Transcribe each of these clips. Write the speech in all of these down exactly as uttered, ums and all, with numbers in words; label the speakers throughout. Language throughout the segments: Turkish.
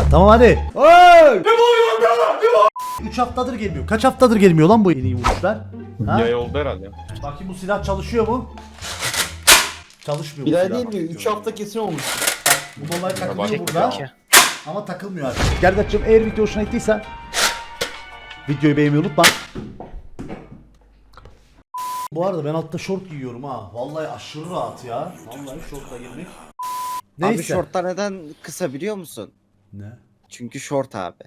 Speaker 1: Tamam hadi. Hey! üç haftadır gelmiyor. Kaç haftadır gelmiyor lan bu en iyi vuruşlar? Ha?
Speaker 2: Yay oldu herhalde.
Speaker 1: Bakayım bu silah çalışıyor mu? Çalışmıyor bu
Speaker 3: Bir ay
Speaker 1: silah.
Speaker 3: değil mi? üç hafta kesin olmuş.
Speaker 1: Bu dolar takılıyor
Speaker 2: Bak-
Speaker 1: burada. Ama takılmıyor artık. Gerdat'cığım eğer video hoşuna gittiyse videoyu beğenmeyi unutma. Bu arada ben altta şort giyiyorum ha. Vallahi aşırı rahat ya. Vallahi şortla girmek. Neyse.
Speaker 4: Abi şortlar neden kısa biliyor musun?
Speaker 1: Ne?
Speaker 4: Çünkü şort abi.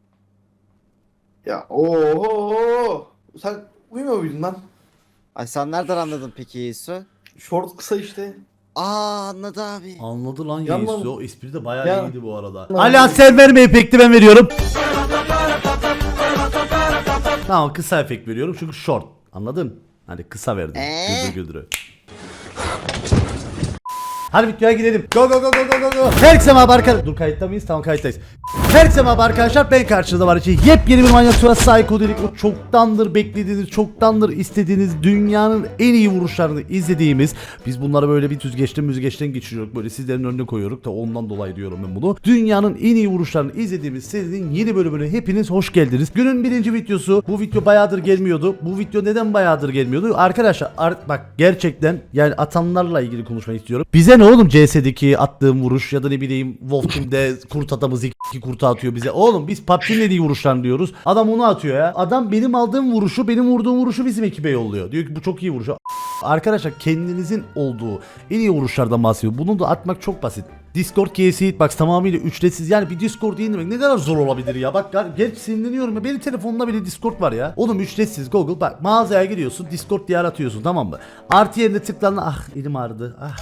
Speaker 3: Ya oho. Sen uyumuyor muydun lan?
Speaker 4: Ay sen nereden anladın peki Yesu?
Speaker 3: Short kısa işte.
Speaker 4: Aa anladı abi.
Speaker 1: Anladı lan
Speaker 3: Yanma-
Speaker 1: Yesu. O espri de bayağı
Speaker 3: Ya-
Speaker 1: iyiydi bu arada.
Speaker 3: Ya-
Speaker 1: Ala sen verme efekti ben veriyorum. Tamam kısa efekt veriyorum çünkü short. Anladın? Hani kısa verdim.
Speaker 4: Ee?
Speaker 1: Güldür güldürü. Hadi videoya gidelim. Go go go go go go go. Herkese merhaba arkadaşlar. Dur kayıtta mıyız? Tamam kayıttayız. Herkese merhaba arkadaşlar. Ben karşınızda var için yepyeni bir manyak sonra Psycho dedik. O çoktandır beklediğiniz, çoktandır istediğiniz dünyanın en iyi vuruşlarını izlediğimiz. Biz bunları böyle bir süzgeçten müzgeçten geçiriyoruz. Böyle sizlerin önüne koyuyoruz da ondan dolayı diyorum ben bunu. Dünyanın en iyi vuruşlarını izlediğimiz serinin yeni bölümüne hepiniz hoş geldiniz. Günün birinci videosu. Bu video bayağıdır gelmiyordu. Bu video neden bayağıdır gelmiyordu? Arkadaşlar art, bak gerçekten yani atanlarla ilgili konuşmak istiyorum. Bize ne oğlum C S'deki attığım vuruş ya da ne bileyim Wolf Team'de kurt adamı iki kurtu atıyor bize. Oğlum biz P U B G'nin en iyi vuruşlarını diyoruz. Adam onu atıyor ya. Adam benim aldığım vuruşu, benim vurduğum vuruşu bizim ekibe yolluyor. Diyor ki bu çok iyi vuruş. Arkadaşlar kendinizin olduğu en iyi vuruşlardan bahsediyor. Bunu da atmak çok basit. Discord K S Hitbox tamamıyla ücretsiz. Yani bir Discord indirmek ne kadar zor olabilir ya. Bak gerçi sinirleniyorum ya. Benim telefonumda bile Discord var ya. Oğlum ücretsiz Google. Bak mağazaya giriyorsun. Discord diye aratıyorsun tamam mı? Artı yerine tıklan. Ah elim ağrıdı. Ah.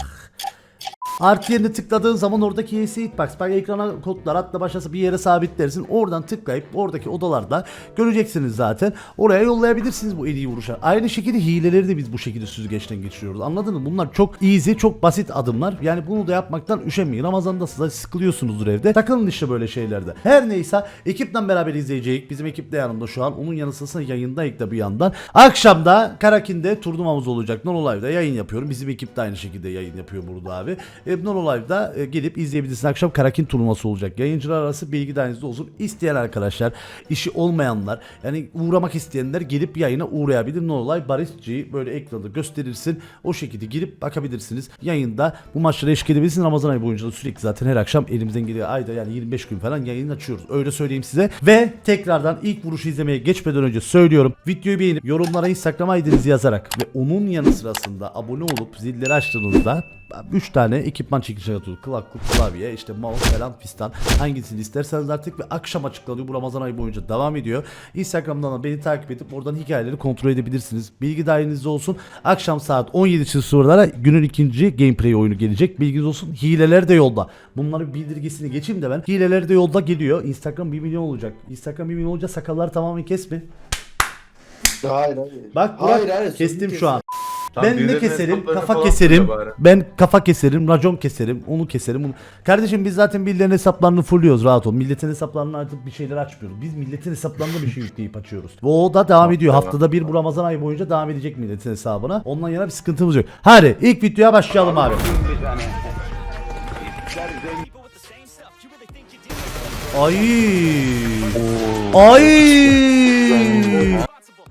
Speaker 1: Artı yerine tıkladığın zaman oradaki K S Hitbox bak ekrana kodlar atla başlasa bir yere sabitlersin. Oradan tıklayıp oradaki odalarda göreceksiniz zaten. Oraya yollayabilirsiniz bu en iyi vuruşlar. Aynı şekilde hileleri de biz bu şekilde süzgeçten geçiriyoruz. Anladın mı? Bunlar çok easy, çok basit adımlar. Yani bunu da yapmaktan üşenmeyin. Ramazan'da size sıkılıyorsunuzdur evde. Takılın işte böyle şeylerde. Her neyse ekipten beraber izleyeceğiz. Bizim ekip de yanımda şu an. Onun yanı sıra yayındayız da bir yandan. Akşamda Karakin'de turnuvamız olacak. Non Live'da yayın yapıyorum. Bizim ekip de aynı şekilde yayın yapıyor burada abi. Non Live'da e, gelip izleyebilirsiniz. Akşam Karakin turnuvası olacak. Yayıncılar arası bilgi dahilinizde olsun. İsteyen arkadaşlar, işi olmayanlar, yani uğramak isteyenler gelip yayına uğrayabilir. Non Live Barışçı'yı böyle ekranda gösterirsin. O şekilde girip bakabilirsiniz. Yayında bu maçlara eşlik edebilirsiniz. Ramazan ayı boyunca da sürekli zaten her akşam elimizden geliyor. Ayda yani yirmi beş gün falan yayın açıyoruz. Öyle söyleyeyim size. Ve tekrardan ilk vuruşu izlemeye geçmeden önce söylüyorum. Videoyu beğenip yorumlara Instagram I D'nizi yazarak ve onun yanı sırasında abone olup zilleri açtığınızda üç tane ekipman çekilişine atıyoruz. Kulaklık, klavye, işte mouse falan fistan. Hangisini isterseniz artık ve akşam açıklanıyor. Bu Ramazan ayı boyunca devam ediyor. Instagram'dan da beni takip edip oradan hikayeleri kontrol edebilirsiniz. Bilgi dahilinizde olsun. Akşam saat on yedi sıralara günün ikinci gameplay oyunu gelecek. Bilginiz olsun. Hileler de yolda. Bunların bildirgesini geçeyim de ben. Hileler de yolda geliyor. Instagram bir milyon olacak. Instagram bir milyon olunca sakalları tamamen kesme.
Speaker 3: Hayır hayır.
Speaker 1: Bak Burak
Speaker 3: hayır, hayır,
Speaker 1: kestim
Speaker 3: kes.
Speaker 1: şu an.
Speaker 2: Tam
Speaker 1: Ben ne
Speaker 2: birilerinin
Speaker 1: keserim?
Speaker 2: hesaplarını
Speaker 1: Kafa
Speaker 2: falan
Speaker 1: keserim.
Speaker 2: fulle bari.
Speaker 1: Ben kafa keserim, racon keserim, onu keserim. Onu... Kardeşim biz zaten birilerinin hesaplarını fulluyoruz, rahat ol. Milletin hesaplarını artık bir şeyler açmıyoruz. Biz milletin hesaplarında bir şey yükleyip açıyoruz. Ve o da devam ediyor. Haftada bir bu Ramazan ayı boyunca devam edecek milletin hesabına. Ondan yana bir sıkıntımız yok. Hadi ilk videoya başlayalım abi. Ay. Ay.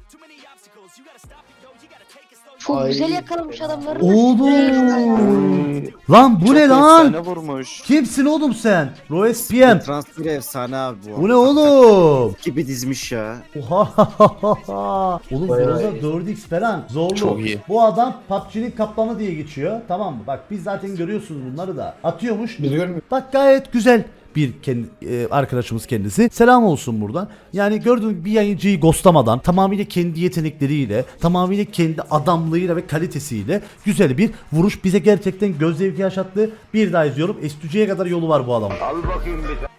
Speaker 5: Çok
Speaker 3: Ay.
Speaker 5: güzel yakalamış adamları.
Speaker 1: Oğlum. Lan bu ne lan?
Speaker 4: Efsane vurmuş.
Speaker 1: Kimsin oğlum sen? Roes P M.
Speaker 4: Transfer efsane abi bu.
Speaker 1: Bu ne oğlum?
Speaker 4: Gibi dizmiş ya.
Speaker 1: Oha. Oğlum
Speaker 3: Bayağı
Speaker 1: Groza
Speaker 3: iyi.
Speaker 1: dört x falan. Zorlu.
Speaker 2: Çok iyi.
Speaker 1: Bu adam P U B G'nin kaplanı diye geçiyor. Tamam mı? Bak biz zaten görüyorsunuz bunları da. Atıyormuş.
Speaker 3: Biliyorum.
Speaker 1: Bak gayet güzel bir kendi, e, arkadaşımız kendisi. Selam olsun buradan. Yani gördüğünüz gibi bir yayıncıyı ghostlamadan tamamıyla kendi yetenekleriyle, tamamıyla kendi adamlığıyla ve kalitesiyle güzel bir vuruş bize gerçekten göz zevki yaşattı. Bir daha izliyorum. S iki C'ye kadar yolu var bu adamın.
Speaker 6: Al bakayım bir tane.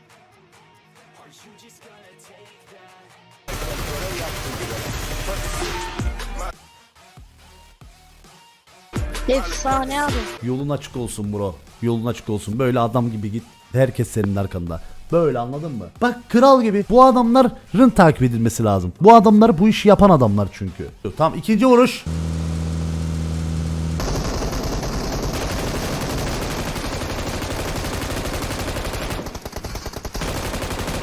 Speaker 5: Efsane abi.
Speaker 1: Yolun açık olsun bro. Yolun açık olsun. Böyle adam gibi git. Herkes senin arkanda. Böyle anladın mı? Bak kral gibi. Bu adamların takip edilmesi lazım. Bu adamlar bu işi yapan adamlar çünkü. Tamam ikinci vuruş.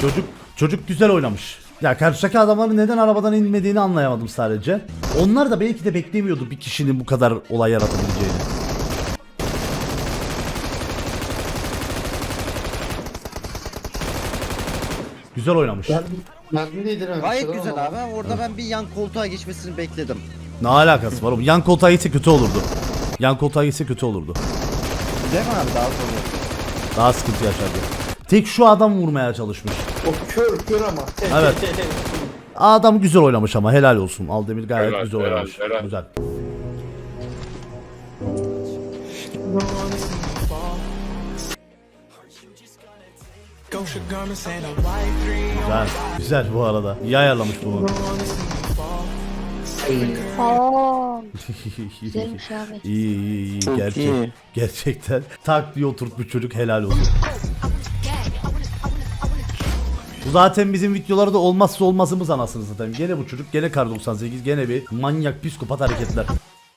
Speaker 1: Çocuk çocuk güzel oynamış. Ya karşıdaki adamların neden arabadan inmediğini anlayamadım sadece. Onlar da belki de beklemiyordu bir kişinin bu kadar olay yaratabileceğini. Güzel oynamış.
Speaker 3: Mermi değdirememiş.
Speaker 4: Gayet güzel abi. Orada ben bir yan koltuğa geçmesini bekledim.
Speaker 1: Ne alakası var oğlum? Yan koltuğa gitse kötü olurdu. Yan koltuğa gitse kötü olurdu.
Speaker 4: Değil mi abi daha sonra?
Speaker 1: Daha sıkıntı yaşardı. Tek şu adam vurmaya çalışmış.
Speaker 3: O kör kör ama.
Speaker 1: Evet. Adam güzel oynamış ama helal olsun. Aldemir gayet
Speaker 2: Helal,
Speaker 1: güzel
Speaker 2: helal,
Speaker 1: oynamış.
Speaker 2: helal.
Speaker 1: Güzel. Güzel. Güzel bu arada. İyi ayarlamış bunu.
Speaker 5: Aa, güzelmiş abi.
Speaker 1: İyi iyi iyi. Gerçek, gerçekten tak diye oturtmuş çocuk, helal olsun. Bu zaten bizim videolarda olmazsa olmazımız anasını satayım. Gene bu çocuk, gene Kar doksan sekiz, gene bir manyak psikopat hareketler.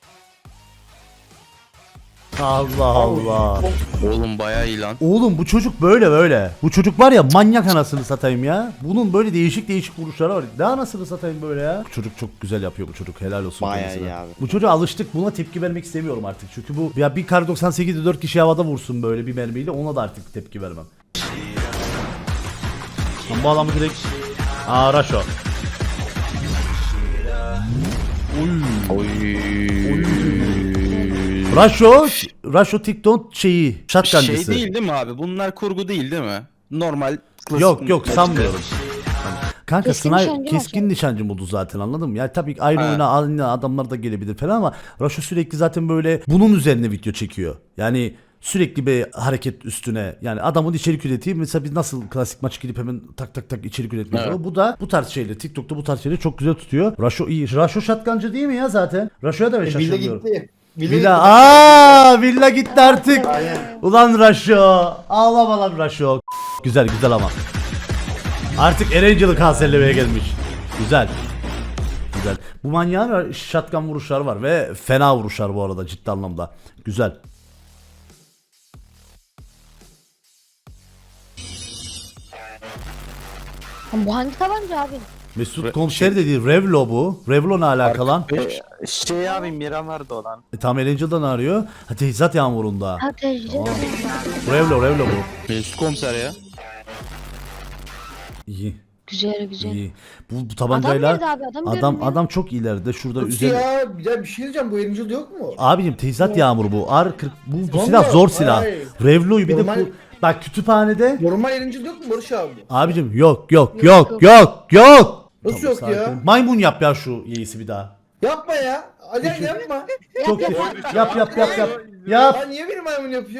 Speaker 1: Allah Allah.
Speaker 6: Oğlum bayağı iyi lan.
Speaker 1: Oğlum bu çocuk böyle böyle. Bu çocuk var ya manyak anasını satayım ya. Bunun böyle değişik değişik vuruşları var. Ne anasını satayım böyle ya. Bu çocuk çok güzel yapıyor bu çocuk. Helal olsun.
Speaker 4: Bayağı
Speaker 1: kendisine.
Speaker 4: iyi abi.
Speaker 1: Bu çocuğa alıştık. Buna tepki vermek istemiyorum artık. Çünkü bu ya bir Kar doksan sekizde dört kişi havada vursun böyle bir mermiyle, ona da artık tepki vermem. Lan bu adamı direkt... Aa Raşo.
Speaker 6: Oy.
Speaker 1: Raşo, Raşo TikTok şeyi, şatkancısı.
Speaker 6: Şey değil değil mi abi? Bunlar kurgu değil değil mi? Normal klasik.
Speaker 1: Yok yok sanmıyorum. Kanka
Speaker 5: Keskin
Speaker 1: sniper
Speaker 5: nişancı
Speaker 1: keskin
Speaker 5: var.
Speaker 1: nişancı modu zaten, anladın mı? Yani tabii ki aynı
Speaker 6: Ha.
Speaker 1: oyuna aynı adamlar da gelebilir falan ama Raşo sürekli zaten böyle bunun üzerine video çekiyor. Yani sürekli bir hareket üstüne, yani adamın içerik üreteyim. Mesela biz nasıl klasik maç girip hemen tak tak tak içerik üretmiyoruz.
Speaker 6: Evet.
Speaker 1: Bu da bu tarz şeyleri TikTok'ta bu tarz şeyleri çok güzel tutuyor. Raşo iyi. Raşo şatkancı değil mi ya zaten? Raşo'ya da ben
Speaker 3: Villa
Speaker 1: şaşırmıyorum.
Speaker 3: gitti.
Speaker 1: Villa, aa Villa gitti artık.
Speaker 3: Aynen.
Speaker 1: Ulan Raşo. Ağlama lan Raşo. Güzel güzel ama. Artık Erangel'ı kanserlemeye gelmiş. Güzel. Güzel. Bu manyağın shotgun vuruşları var ve fena vuruşlar bu arada, ciddi anlamda. Güzel.
Speaker 5: Bu hangi tabanca abi?
Speaker 1: Mesut komiser dediği Revlo bu. Revlo ne alakalı lan?
Speaker 7: Şey abi Miramar'da olan.
Speaker 1: E, tam Erangel'dan arıyor. Ha, teçhizat yağmurunda.
Speaker 5: Ha tecrübe.
Speaker 1: Revlo Revlo bu.
Speaker 6: Mesut komiser ya.
Speaker 1: İyi.
Speaker 5: Güzel güzel.
Speaker 1: İyi. Bu, bu
Speaker 5: Adam
Speaker 1: tabancayla
Speaker 5: nerede abi? Adam,
Speaker 1: adam
Speaker 5: görünmüyor.
Speaker 1: adam çok ileride. Şurada
Speaker 3: Nasıl
Speaker 1: üzerinde.
Speaker 3: ya? Bir de bir şey diyeceğim, bu Angel yok mu?
Speaker 1: Abicim teçhizat yağmuru bu. R kırk bu, bu
Speaker 3: Zor
Speaker 1: silah
Speaker 3: mu?
Speaker 1: zor silah.
Speaker 3: Vay.
Speaker 1: Revlo'yu bir de
Speaker 3: Normal-
Speaker 1: bu, bak kütüphanede.
Speaker 3: Normal Angel yok mu Barış abi?
Speaker 1: Abicim yok yok yok yok yok.
Speaker 3: Nasıl
Speaker 1: Tamam,
Speaker 3: yok ya?
Speaker 1: sakin. Maymun yap ya şu yeğisi bir daha.
Speaker 3: Yapma ya. Alihan yapma.
Speaker 1: Çok iyi. Yap yap yap yap. Yap.
Speaker 3: Ya niye benim maymun yapıyor?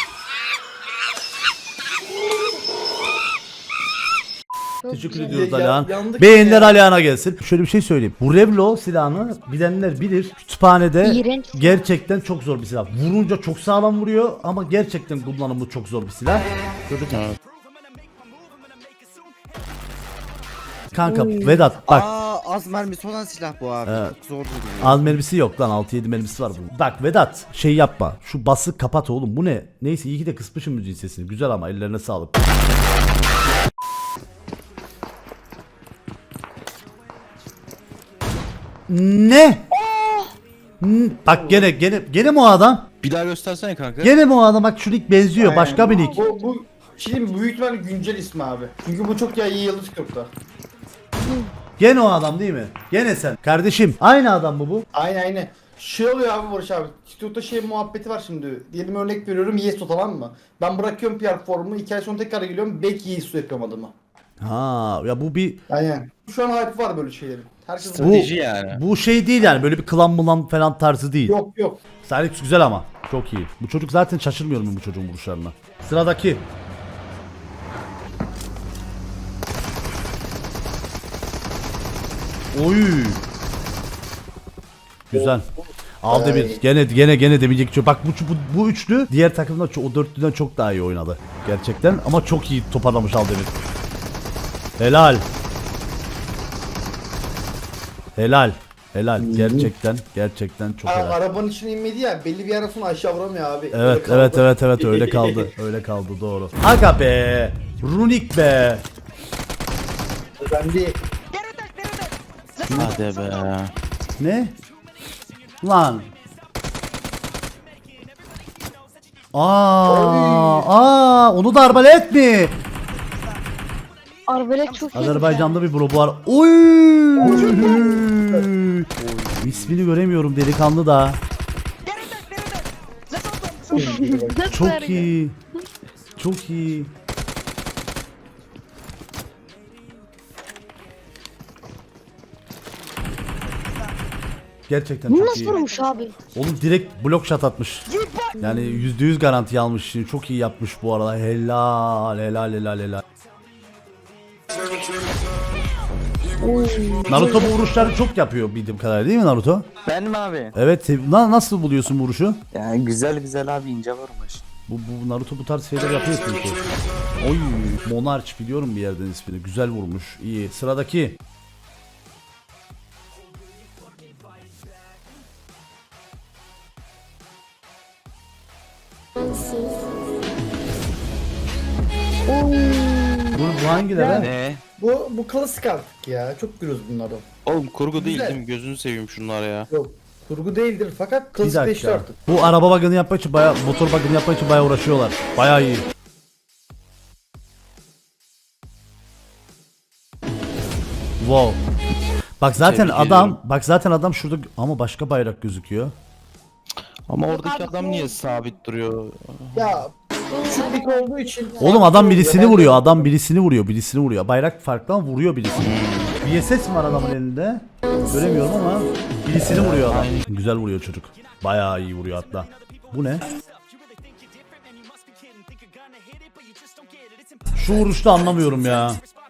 Speaker 5: Çok
Speaker 1: Teşekkür
Speaker 5: güzel.
Speaker 1: ediyoruz
Speaker 3: Ya-
Speaker 1: Alihan.
Speaker 3: yandık
Speaker 1: Beğeniler
Speaker 3: ya.
Speaker 1: Alihan'a gelsin. Şöyle bir şey söyleyeyim. Bu Revlo silahını bilenler bilir. Kütüphanede
Speaker 5: İğrenç.
Speaker 1: gerçekten çok zor bir silah. Vurunca çok sağlam vuruyor ama gerçekten kullanımı çok zor bir silah. Çocuk. Kanka Vedat bak.
Speaker 4: Aa az mermisi olan silah bu abi.
Speaker 1: Evet.
Speaker 4: Çok zor duruyor.
Speaker 1: Az mermisi yok lan, altı yedi mermisi var bunun. Bak Vedat şey yapma. Şu bası kapat oğlum, bu ne? Neyse iyi ki de kısmışım müziğin sesini. Güzel ama ellerine sağlık. Ne? Hmm, Bak gene gene gene mi o adam?
Speaker 6: Bir daha göstersene kanka.
Speaker 1: Gene mi o adam? Bak şu nick benziyor. Başka bir nick.
Speaker 3: Bu, bu şey büyük ihtimalle güncel ismi abi. Çünkü bu çok ya iyi yıldız TikTok'ta.
Speaker 1: Gene o adam değil mi? Gene sen. Kardeşim aynı adam mı bu?
Speaker 3: Aynen aynen. Şey oluyor abi Barış abi. TikTok'ta şey muhabbeti var şimdi. Diyelim örnek veriyorum Yeso, tamam mı? Ben bırakıyorum P R formu. iki ay sonra tekrar geliyorum. Belki Yeso yapıyorum adımı.
Speaker 1: Ha ya bu bir
Speaker 3: Aynen. Şu an hype var böyle şeylerin. Herkes
Speaker 1: bu,
Speaker 6: Strateji yani.
Speaker 1: bu şey değil yani, böyle bir klan mulan falan tarzı değil.
Speaker 3: Yok yok.
Speaker 1: Salix güzel ama. Çok iyi. Bu çocuk zaten, şaşırmıyorum ben bu çocuğun vuruşlarına. Sıradaki. Oy. Güzel. Aldı bir. Gene gene gene demeyecek çok. Bak bu, bu bu üçlü diğer takımda çok, o dörtlüden çok daha iyi oynadı. Gerçekten ama çok iyi toparlamış Aldemir. Helal. Helal. Helal. Gerçekten gerçekten çok
Speaker 3: Aa,
Speaker 1: helal.
Speaker 3: arabanın içine inmedi ya. Belli bir yerden sonra aşağı vuramıyor abi. Öyle
Speaker 1: Evet
Speaker 3: kaldı.
Speaker 1: evet evet evet öyle kaldı. Öyle kaldı doğru. Aga be. Runik be.
Speaker 3: Ben bir
Speaker 6: Hadi be.
Speaker 1: Ne? Lan. Aa, aa, onu da arbalet mi?
Speaker 5: Arbelet çok iyi.
Speaker 1: Azerbaycan'da bir bro bu ar. Oy! İsmini göremiyorum delikanlı da. Çok iyi. Çok iyi. Gerçekten
Speaker 5: Bu
Speaker 1: çok
Speaker 5: nasıl
Speaker 1: iyi.
Speaker 5: vurmuş abi?
Speaker 1: Oğlum direkt blok shot atmış. Yani yüzde yüz garanti almış. Şimdi çok iyi yapmış bu arada. Helal helal helal helal. Naruto bu vuruşları çok yapıyor bildiğim kadarıyla değil mi Naruto?
Speaker 7: Ben mi abi?
Speaker 1: Evet. Na- nasıl buluyorsun bu vuruşu?
Speaker 7: Yani güzel güzel abi, ince vurmuş.
Speaker 1: Bu, bu Naruto bu tarz şeyler yapıyor çünkü. Oy, Monarch biliyorum bir yerden ismini. Güzel vurmuş. İyi. Sıradaki. Bu, bu hangileri?
Speaker 6: Ne?
Speaker 3: bu bu klasik artık ya. Çok görüyoruz bunları.
Speaker 6: Oğlum kurgu değil
Speaker 3: Güzel.
Speaker 6: değil mi? Gözünü seveyim şunlar ya.
Speaker 3: Yok. Kurgu değildir fakat
Speaker 1: Bir
Speaker 3: klasikleşti
Speaker 1: dakika.
Speaker 3: artık.
Speaker 1: Bu araba bagını yapmak için baya, motor bagını yapmak için baya uğraşıyorlar. Baya iyi. Wow. Bak zaten
Speaker 6: Tebrik
Speaker 1: adam,
Speaker 6: ediyorum.
Speaker 1: bak zaten adam şurada ama başka bayrak gözüküyor.
Speaker 6: Ama oradaki adam niye sabit duruyor?
Speaker 3: Ya küçüklük olduğu için.
Speaker 1: Oğlum adam birisini vuruyor, adam birisini vuruyor, birisini vuruyor. Bayrak farklı ama vuruyor birisini. Bir S S mi var adamın elinde? Göremiyorum ama birisini vuruyor adam. Güzel vuruyor çocuk. Bayağı iyi vuruyor hatta. Bu ne? Şu vuruşta anlamıyorum ya.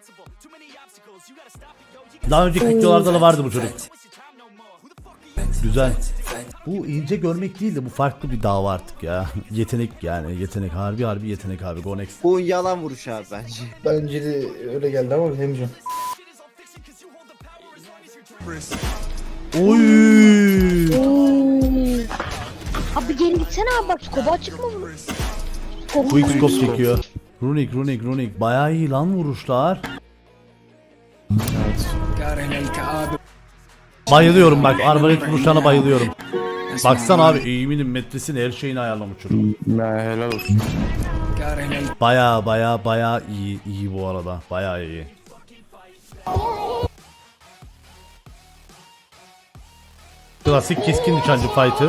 Speaker 1: Daha önceki videolarda da vardı bu çocuk. Güzel. Bu ince görmek değil de bu farklı bir dava artık ya. Yetenek yani yetenek harbi harbi yetenek abi Go next.
Speaker 4: Bu yalan vuruş abi bence.
Speaker 3: Bence de öyle geldi ama bilemeyeceğim.
Speaker 1: Oy!
Speaker 5: Oo. Abi geri gitsene abi bak skobu açık mı bunu? Skobu
Speaker 1: Quick scope çekiyor. Runik runik runik bayağı iyi lan vuruşlar. Bayılıyorum bak arbalet vuruşlarına bayılıyorum. Baksana abi eğiminin metresini her şeyini ayarlamış çocuk.
Speaker 6: Ya helal olsun.
Speaker 1: Baya baya baya iyi iyi bu arada baya iyi. Klasik keskin nişancı fight'ı.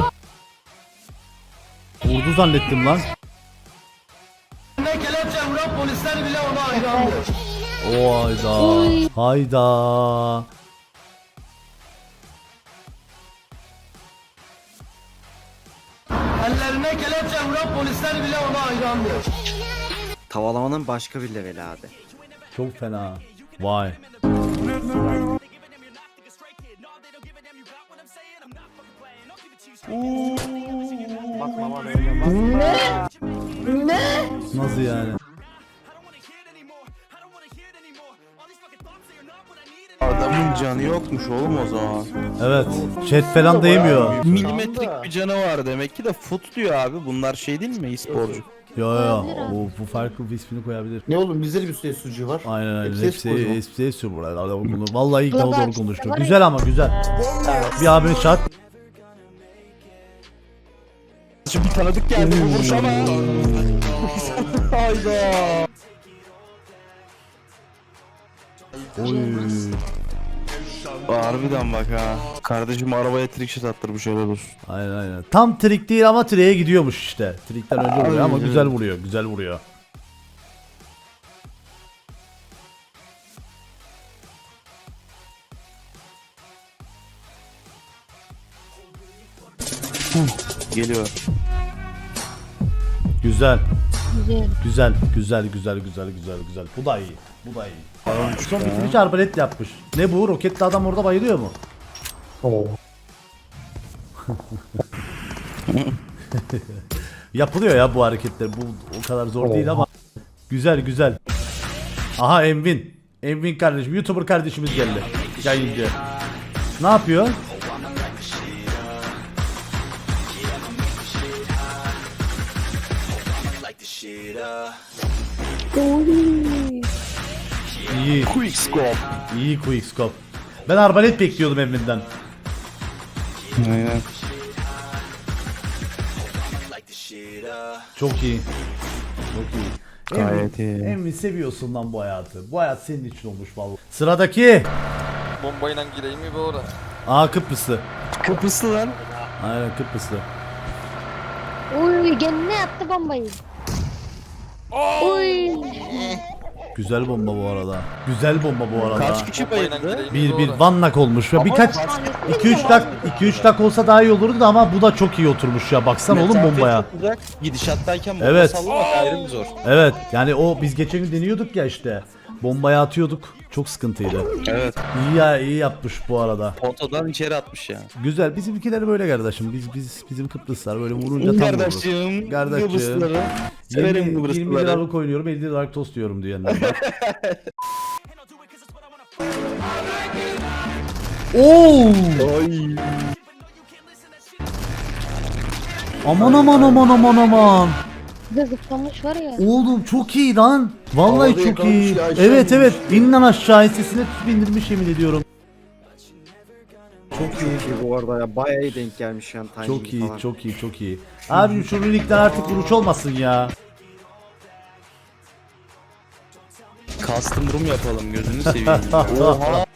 Speaker 1: Vurdu zannettim lan. O hayda. Hayda.
Speaker 4: Tavalamanın başka bir leveli abi.
Speaker 1: Çok fena. Vay.
Speaker 5: Ne?
Speaker 1: Nasıl yani?
Speaker 6: Adamın canı yokmuş oğlum o zaman.
Speaker 1: Evet. Chat falan değmiyor.
Speaker 6: Milimetrik bir canı var demek ki de foot diyor abi. Bunlar şey değil mi e-sporcu?
Speaker 1: Yo yo yo. Bu, bu farklı bir ismini koyabilir.
Speaker 3: Ne oğlum bizde de bir sürü sucuğu var.
Speaker 1: Aynen aynen.
Speaker 3: Hepsi
Speaker 1: Hepsi
Speaker 3: e-sporcu mu?
Speaker 1: hepsi hepsi burada. Adam bunu vallahi ilk defa doğru konuştu. Güzel ama güzel. Bir abimiz şart.
Speaker 6: Şimdi tanıdık geldi bu vuruş ama. Hayda.
Speaker 1: Oy.
Speaker 6: Harbiden bak ha. Kardeşim arabaya trickshot attırmış helal olsun.
Speaker 1: Aynen aynen. Tam trik değil ama triğe gidiyormuş işte. Trikten önce vuruyor ama güzel vuruyor. Güzel vuruyor.
Speaker 6: Geliyor.
Speaker 1: Güzel.
Speaker 5: Güzel.
Speaker 1: Güzel. Güzel güzel güzel güzel güzel. Bu da iyi. Bu da iyi. Son bitiriş arbalet yapmış. Ne bu? Roketli adam orada bayılıyor mu? Yapılıyor ya bu hareketler. Bu o kadar zor değil ama güzel güzel. Aha Envin. Envin kardeşim, YouTuber kardeşimiz geldi. Yayıncı. Ne yapıyor?
Speaker 5: Oy.
Speaker 1: İyi.
Speaker 6: Quick scope.
Speaker 1: İyi quick scope. Ben arbalet bekliyordum Emrin'den.
Speaker 6: Aynen.
Speaker 1: Çok iyi. Çok iyi.
Speaker 6: Gayet
Speaker 1: Emrin,
Speaker 6: iyi.
Speaker 1: Emrin seviyorsun lan bu hayatı. Bu hayat senin için olmuş vallahi. Sıradaki.
Speaker 2: Bombayla gireyim mi bu ara?
Speaker 1: Aa Kıbrıslı.
Speaker 6: Kıbrıslı lan.
Speaker 1: Aynen Kıbrıslı.
Speaker 5: Uy gene ne attı bombayı? Uy.
Speaker 1: Güzel bomba bu arada. Güzel bomba bu arada.
Speaker 6: Kaç kişi
Speaker 2: Bombayla
Speaker 6: bayıldı?
Speaker 2: gireyim mi
Speaker 1: Bir
Speaker 2: bu
Speaker 1: bir
Speaker 2: ara?
Speaker 1: one knock olmuş ve birkaç iki üç dak iki üç dak olsa daha iyi olurdu da ama bu da çok iyi oturmuş ya. Baksana oğlum
Speaker 6: Mesafe
Speaker 1: bombaya.
Speaker 6: çok uzak. Gidişattayken bomba
Speaker 1: Evet.
Speaker 6: sallamak ayrı bir zor.
Speaker 1: Evet yani o biz geçen gün deniyorduk ya işte. Bombaya atıyorduk. Çok sıkıntıydı.
Speaker 6: Evet.
Speaker 1: İyi ya iyi yapmış bu arada.
Speaker 6: Potadan içeri atmış ya.
Speaker 1: Güzel. Bizimkiler böyle kardeşim. Biz biz bizim Kıbrıslar böyle vurunca tam vururuz.
Speaker 6: Kardeşim.
Speaker 1: Kardeşim.
Speaker 6: Kıbrıslıları. Severim
Speaker 1: yirmi, yirmi
Speaker 6: Kıbrıslıları.
Speaker 1: liralık oynuyorum elli liralık tost diyorum diyenler var. Oo!
Speaker 6: Ay.
Speaker 1: Aman aman aman aman aman.
Speaker 5: Bir de zıplamış var ya.
Speaker 1: Oğlum çok iyi lan. Vallahi
Speaker 3: Havada
Speaker 1: çok iyi.
Speaker 3: yakalamış ya, aşağı
Speaker 1: Evet evet.
Speaker 3: inmiş.
Speaker 1: İn lan aşağı sesine tutup indirmiş yemin ediyorum. Çok iyi.
Speaker 4: İyi bu arada ya bayağı iyi denk gelmiş yani timing
Speaker 1: Çok iyi,
Speaker 4: falan.
Speaker 1: çok iyi, çok iyi. Abi şu rulikten artık vuruş olmasın ya.
Speaker 6: Custom room yapalım gözünü seveyim. Oha.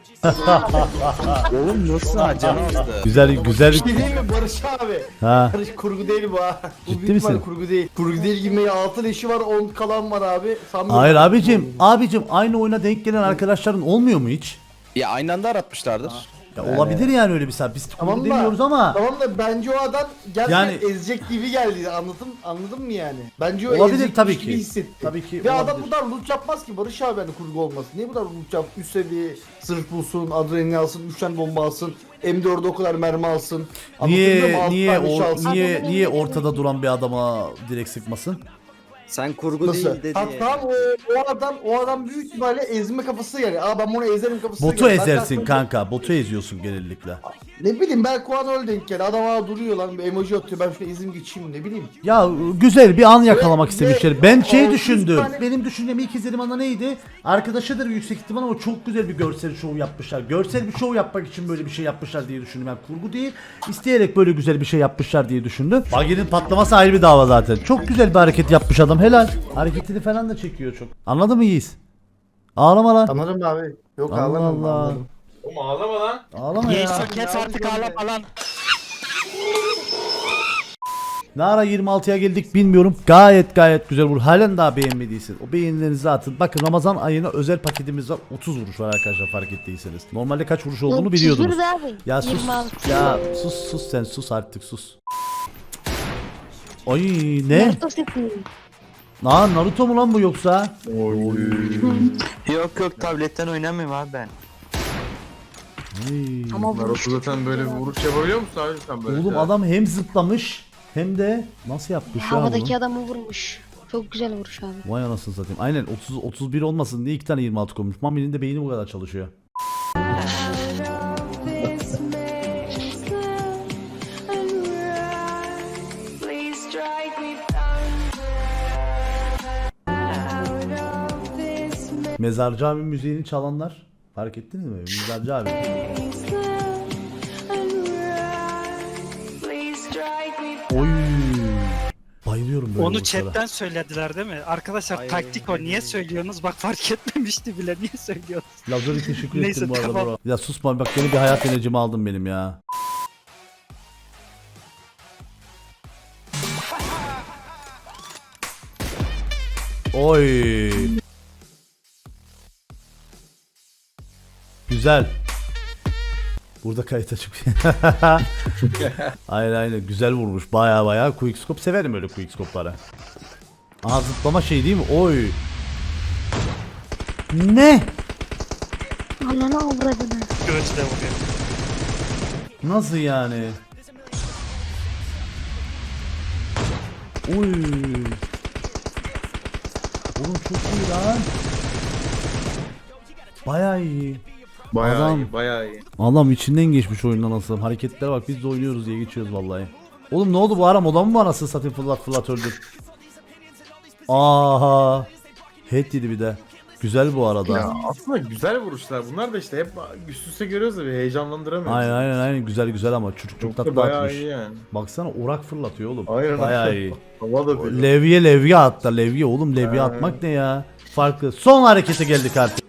Speaker 6: Oğlum nasıl ha canı azdı.
Speaker 1: Güzel, güzel.
Speaker 3: Bir şey değil mi Barış abi?
Speaker 1: Ha.
Speaker 3: Barış kurgu değil bu ha. Bu
Speaker 1: Ciddi
Speaker 3: büyük ihtimalle
Speaker 1: misin?
Speaker 3: kurgu değil. Kurgu değil gibi altı leşi var on kalan var abi. Sanmıyorum.
Speaker 1: Hayır abicim, abicim aynı oyuna denk gelen arkadaşların olmuyor mu hiç?
Speaker 6: Ya aynı anda aratmışlardır.
Speaker 1: Ya olabilir yani öyle bir saat. Biz
Speaker 3: Tamam
Speaker 1: kurgu
Speaker 3: da-
Speaker 1: demiyoruz ama
Speaker 3: Tamam da bence o adam gerçekten
Speaker 1: Yani-
Speaker 3: ezecek gibi geldi. Anladın anladın mı yani? Bence o
Speaker 1: Olabilir
Speaker 3: ezecekmiş
Speaker 1: tabii
Speaker 3: gibi
Speaker 1: ki.
Speaker 3: hissetti.
Speaker 1: Tabii ki
Speaker 3: Ve
Speaker 1: olabilir.
Speaker 3: adam bu kadar loot yapmaz ki Barış abi hani kurgu olmasın. Niye bu kadar loot yap? Üst seviye sırf bulsun, adrenalin alsın, üç tane bomba alsın, M dörde o kadar mermi alsın. Anlatabiliyor muyum?
Speaker 1: niye
Speaker 3: Altı
Speaker 1: niye
Speaker 3: tane leş
Speaker 1: or-
Speaker 3: alsın.
Speaker 1: niye niye ortada duran bir adama direkt sıkmasın?
Speaker 4: Sen kurgu
Speaker 3: Nasıl?
Speaker 4: değil dedi.
Speaker 3: Ha, tamam o, o adam o adam büyük ihtimalle ezme kafası yani. Aa ben bunu ezerim kafası.
Speaker 1: Botu ezersin kanka. Botu eziyorsun genellikle.
Speaker 3: Ne bileyim belki o an öyle denk geldi. Adam aa duruyor lan bir emoji atıyor. Ben şuna izim geçeyim ne bileyim.
Speaker 1: Ya güzel bir an yakalamak
Speaker 3: Ve-
Speaker 1: istemişler.
Speaker 3: ve
Speaker 1: Ben şey
Speaker 3: altı yüz
Speaker 1: düşündüm.
Speaker 3: tane-
Speaker 1: Benim düşüncem ilk izlediğim anda neydi? Arkadaşıdır yüksek ihtimal ama çok güzel bir görsel şov yapmışlar. Görsel bir şov yapmak için böyle bir şey yapmışlar diye düşündüm. Yani kurgu değil, isteyerek böyle güzel bir şey yapmışlar diye düşündüm. Bagi'nin patlaması ayrı bir dava zaten. Çok güzel bir hareket yapmış adam. Helal. Hareketini falan da çekiyor çok. Anladın mı Yiğit? Ağlama lan.
Speaker 3: Anlarım abi. Yok
Speaker 1: Allah
Speaker 3: ağlamam
Speaker 1: Allah.
Speaker 3: anladım.
Speaker 1: Ağlama ya.
Speaker 3: Kes artık ağlama lan.
Speaker 1: Ne ara yirmi altıya geldik bilmiyorum. Gayet gayet güzel vur. Halen daha beğenmediysin. O beğenilerinizi atın. Bakın Ramazan ayına özel paketimiz var. otuz vuruş var arkadaşlar fark ettiyseniz. Normalde kaç vuruş olduğunu biliyordunuz.
Speaker 5: Çizgir abi.
Speaker 1: Ya sus.
Speaker 5: yirmi altı.
Speaker 1: Ya sus sus sen sus artık sus. Ay ne?
Speaker 5: Naruto seti.
Speaker 1: Lan Naruto mu lan bu yoksa?
Speaker 7: Yok yok tabletten oynamıyorum abi ben.
Speaker 1: Ay.
Speaker 5: Ama bu
Speaker 8: Naruto zaten böyle bir vuruş yapabiliyor musun abi sen böyle?
Speaker 1: Oğlum adam hem zıplamış hem de nasıl yapmış ya
Speaker 5: havadaki
Speaker 1: bunu?
Speaker 5: adamı vurmuş. Çok güzel vuruş abi.
Speaker 1: Vay anasını satayım. Aynen otuz otuz bir olmasın diye iki tane yirmi altı koymuş. Mami'nin de beyni bu kadar çalışıyor. Mezarcı abi müziğini çalanlar fark ettiniz mi? Mezarcı abi. Oy. Bayılıyorum böyle
Speaker 9: Onu
Speaker 1: vuruşlara.
Speaker 9: chatten söylediler değil mi? Arkadaşlar taktik o. Niye söylüyorsunuz? Bak fark etmemişti bile. Niye söylüyorsunuz?
Speaker 1: Lazeri teşekkür
Speaker 9: Neyse,
Speaker 1: ettim bu arada
Speaker 9: tamam.
Speaker 1: bro. Ya susma bak yeni bir hayat enerjimi aldım benim ya. Oy. Güzel. Burada kayıt açık. Aynen aynen güzel vurmuş. Baya baya quickscope severim öyle quickscope'ları. Aha zıplama şey değil mi? Oy. Ne?
Speaker 5: Ananı avradını.
Speaker 9: Gözde vuruyor.
Speaker 1: Nasıl yani? Oy. Oğlum çok iyi lan. Bayağı iyi.
Speaker 8: Bayağı
Speaker 1: Adam-
Speaker 8: iyi, bayağı iyi.
Speaker 1: Adam içinden geçmiş oyundan nasıl. Hareketlere bak biz de oynuyoruz diye geçiyoruz vallahi. Oğlum ne oldu bu ara moda mı var nasıl satayım fırlat fırlat öldür. Aha. Head yedi bir de. Güzel bu arada.
Speaker 8: Ya aslında güzel vuruşlar. Bunlar da işte hep üst üste görüyoruz da bir heyecanlandıramıyoruz.
Speaker 1: Aynen aynen aynen güzel güzel ama çocuk çok
Speaker 8: Çok
Speaker 1: tatlı
Speaker 8: da bayağı
Speaker 1: atmış.
Speaker 8: iyi yani.
Speaker 1: Baksana orak fırlatıyor oğlum.
Speaker 8: Aynen.
Speaker 1: Bayağı iyi.
Speaker 8: Hava da böyle.
Speaker 1: Levye levye hatta levye oğlum levye
Speaker 8: Ha.
Speaker 1: atmak ne ya? Farklı. Son harekete geldik artık.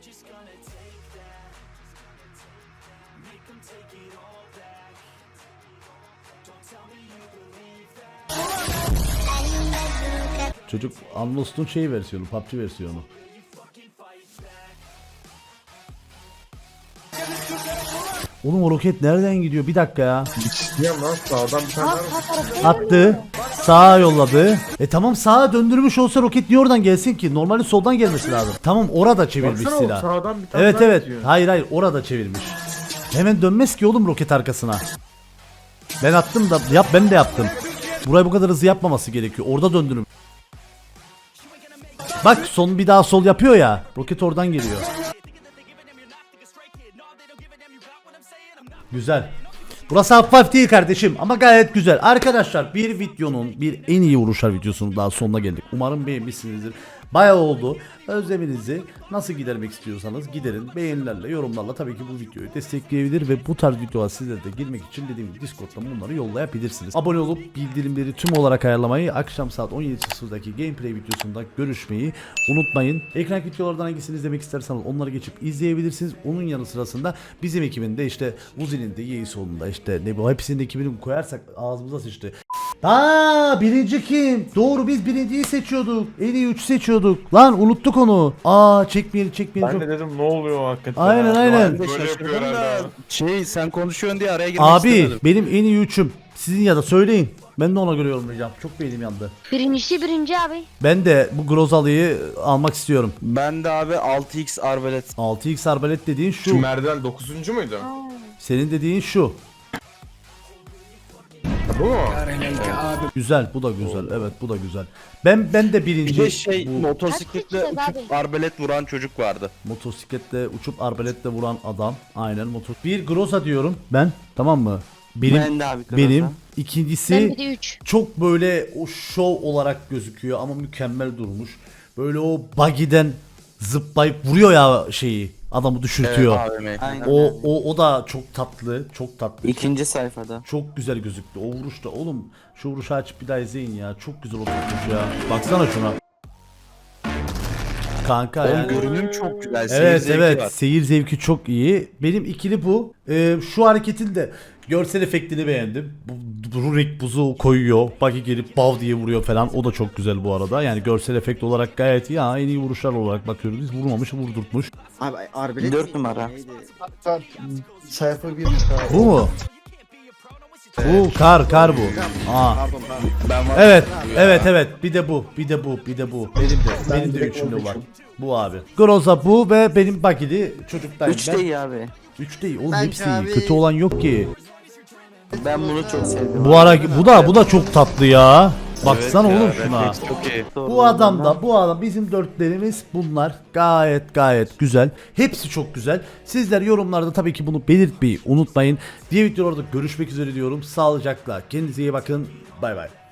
Speaker 1: Çocuk Unlost'un şey versiyonu, P U B G versiyonu. Oğlum o roket nereden gidiyor? Bir dakika ya.
Speaker 8: Ya lan sağdan bir tane
Speaker 5: Aa,
Speaker 8: var.
Speaker 5: sağ tarafta
Speaker 1: Attı. Sağa yolladı. E tamam sağa döndürmüş olsa roket niye oradan gelsin ki? Normalde soldan gelmesi lazım. Tamam orada çevirmiş
Speaker 8: Baksana o
Speaker 1: silah.
Speaker 8: sağdan bir tane
Speaker 1: Evet
Speaker 8: daha
Speaker 1: evet.
Speaker 8: gidiyor.
Speaker 1: Hayır hayır orada çevirmiş. Hemen dönmez ki oğlum roket arkasına. Ben attım da yap ben de yaptım. Burayı bu kadar hızlı yapmaması gerekiyor. Orada döndürüm. Bak son bir daha sol yapıyor ya. Roket oradan geliyor. Güzel. Burası hafif değil kardeşim ama gayet güzel. Arkadaşlar bir videonun bir en iyi vuruşlar videosunun daha sonuna geldik. Umarım beğenmişsinizdir. Bayağı oldu. Özleminizi nasıl gidermek istiyorsanız giderin. Beğenilerle, yorumlarla tabii ki bu videoyu destekleyebilir ve bu tarz videolar sizlere de girmek için dediğim gibi Discord'dan bunları yollayabilirsiniz. Abone olup bildirimleri tüm olarak ayarlamayı, akşam saat on yedi sıfırdaki gameplay videosunda görüşmeyi unutmayın. Ekran videolardan hangisini izlemek isterseniz onları geçip izleyebilirsiniz. Onun yanı sırasında bizim ekibin de işte Uzi'nin de Yeğisoğlu'nun da işte ne bu hepsinin de ekibini koyarsak ağzımıza sıçtı. Aa birinci kim? Doğru biz birinciyi seçiyorduk. En iyi üç seçiyorduk. Lan unuttuk onu. Aa çekmeyelim çekmeyelim.
Speaker 8: Ben
Speaker 1: Çok...
Speaker 8: de dedim ne oluyor hakikaten.
Speaker 1: Aynen,
Speaker 8: ya?
Speaker 1: aynen.
Speaker 8: Ben de
Speaker 6: Şaşırdım
Speaker 8: şaşırdım
Speaker 6: da
Speaker 8: da.
Speaker 6: şey sen konuşuyorsun diye araya girmek
Speaker 1: Abi
Speaker 6: istemedim.
Speaker 1: benim en iyi üçüm. Sizin ya da söyleyin. Ben de ona göre yorumlayacağım. Çok beynim yandı.
Speaker 5: birincisi birinci abi.
Speaker 1: Ben de bu Grozalı'yı almak istiyorum.
Speaker 6: Ben de abi altı x arbalet.
Speaker 1: altı x arbalet dediğin şu.
Speaker 8: Şu merdiven dokuzuncu muydu?
Speaker 1: Senin dediğin şu.
Speaker 8: Bu mu?
Speaker 1: Güzel bu da güzel. Evet bu da güzel. Ben ben de birinci.
Speaker 6: Bir de şey
Speaker 1: bu
Speaker 6: motosikletle
Speaker 5: Kaç kişi
Speaker 6: uçup arbalet vuran çocuk vardı.
Speaker 1: motosikletle uçup arbaletle vuran adam. Aynen motor. Bir Groza diyorum ben. Tamam mı? Benim
Speaker 7: Ben de abi.
Speaker 1: benim
Speaker 7: Groza.
Speaker 1: ikincisi
Speaker 5: Ben bir de üç.
Speaker 1: çok böyle o şov olarak gözüküyor ama mükemmel durmuş. Böyle o buggy'den zıplayıp vuruyor ya şeyi. Adamı düşürtüyor.
Speaker 6: A V M.
Speaker 7: Aynen.
Speaker 1: o o o da çok tatlı, çok tatlı.
Speaker 7: İkinci sayfada.
Speaker 1: Çok güzel gözüktü. O vuruşta oğlum şu vuruşu açıp bir daha izleyin ya. Çok güzel oturmuş ya. Baksana şuna. Kanka
Speaker 6: Oğlum
Speaker 1: yani.
Speaker 6: görünüm çok güzel. seyir
Speaker 1: Evet
Speaker 6: zevki
Speaker 1: evet
Speaker 6: var.
Speaker 1: seyir zevki çok iyi. Benim ikili bu. Ee, şu hareketin de görsel efektini beğendim. Bu, bu Rurik buzu koyuyor. Buggy gelip bav diye vuruyor falan. O da çok güzel bu arada. Yani görsel efekt olarak gayet iyi. Ha, en iyi vuruşlar olarak bakıyoruz. Biz vurmamış vurdurtmuş.
Speaker 4: Abi arbelet
Speaker 7: Dört
Speaker 4: miydi?
Speaker 7: numara.
Speaker 4: Neydi?
Speaker 3: Hatta sayfa bir
Speaker 1: Bu mu? Bu kar kar bu. Aa.
Speaker 4: Pardon pardon.
Speaker 6: Ben var.
Speaker 1: Evet, evet, evet. Bir de bu, bir de bu, bir de bu. Benim de, benim de üçümde var. Bu abi. Groza bu ve benim bagili çocuktayım
Speaker 7: Üç
Speaker 1: ben.
Speaker 7: de iyi abi.
Speaker 1: Üç değil. Oğlum
Speaker 4: Bence
Speaker 1: hepsi iyi.
Speaker 4: abi-
Speaker 1: Kötü olan yok ki.
Speaker 7: Ben bunu çok sevdim.
Speaker 1: Bu ara bu da bu da çok tatlı ya. Baksana
Speaker 6: Evet ya,
Speaker 1: oğlum şuna.
Speaker 6: refleks çok iyi.
Speaker 1: Bu adam da bu adam bizim dörtlerimiz bunlar gayet gayet güzel. Hepsi çok güzel. Sizler yorumlarda tabii ki bunu belirtmeyi unutmayın. Diğer videolarda görüşmek üzere diyorum. Sağlıcakla. Kendinize iyi bakın. Bay bay.